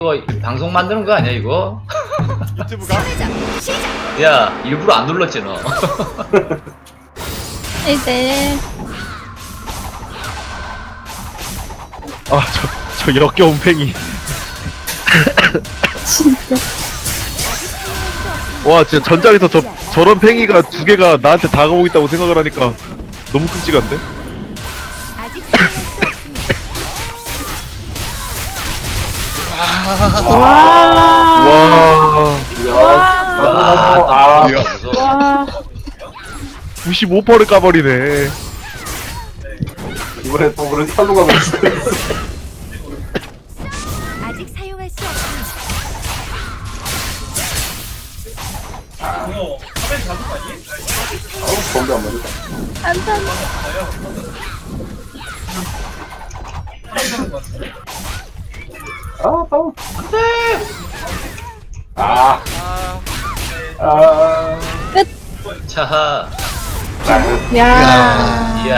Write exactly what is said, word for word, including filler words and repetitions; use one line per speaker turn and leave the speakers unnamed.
이거 방송 만드는 거 아니야 이거?
유튜브가?
야 일부러 안 눌렀지 너.
이제
아, 저, 저 역겨운 팽이.
진짜
와, 진짜 전장에서 저, 저런 팽이가 두 개가 나한테 다가오고 있다고 생각을 하니까 너무 끔찍한데? 와,
아,
이야.
무서워.
와
구십오 퍼센트를 까버리네.
이번에 또 그런 탈로가 났어.
아직 사용할 수 없습니다.
아우, bombe 안 맞았다.
안돼
아, 다운. 아,
아,
아,
자,
야
이야.